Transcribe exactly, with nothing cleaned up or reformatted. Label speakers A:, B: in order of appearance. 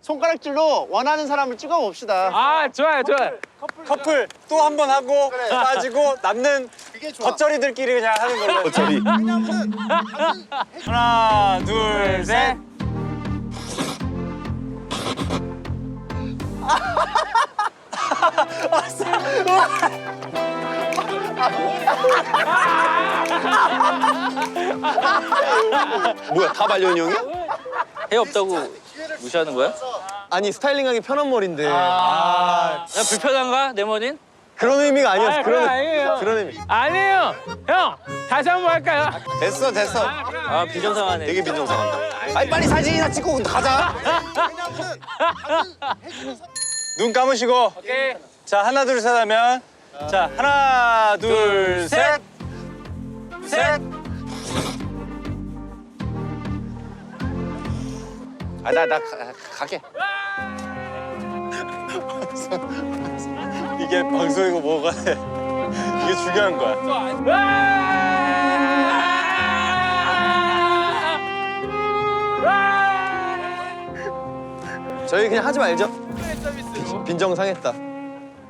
A: 손가락질로 원하는 사람을 찍어 봅시다.
B: 아 좋아요 좋아요.
C: 커플 또 한 번 하고
A: 그래.
C: 빠지고 남는
A: 그게 좋아.
C: 겉절이들끼리 그냥 하는 걸로.
D: 겉절이.
A: 왜냐면은
C: 하나, 둘, 셋.
D: 뭐야, 다 말년형이야?
B: 해 없다고 무시하는 거야?
D: 아니, 스타일링하기 편한 머리인데.
B: 아, 야, 불편한가 내 머리는?
D: 그런 의미가 아니었어.
B: 아,
D: 그런,
B: 그건 아니에요.
D: 그런 의미.
B: 아니에요. 형 다시 한 번 할까요?
D: 됐어, 됐어.
B: 아 비정상하네.
D: 되게 빈정상한다. 아니, 빨리 사진이나 찍고 가자.
A: 왜냐면은 다들 해주는 사...
C: 눈 감으시고.
B: 오케이.
C: 자, 하나, 둘, 셋 하면. 자, 하나, 둘, 셋. 셋.
D: 아, 나, 나 가, 가게.
C: 이게 방송이고 뭐가 돼. 이게 중요한 거야.
D: 저희 그냥 하지 말죠. 빈정상했다.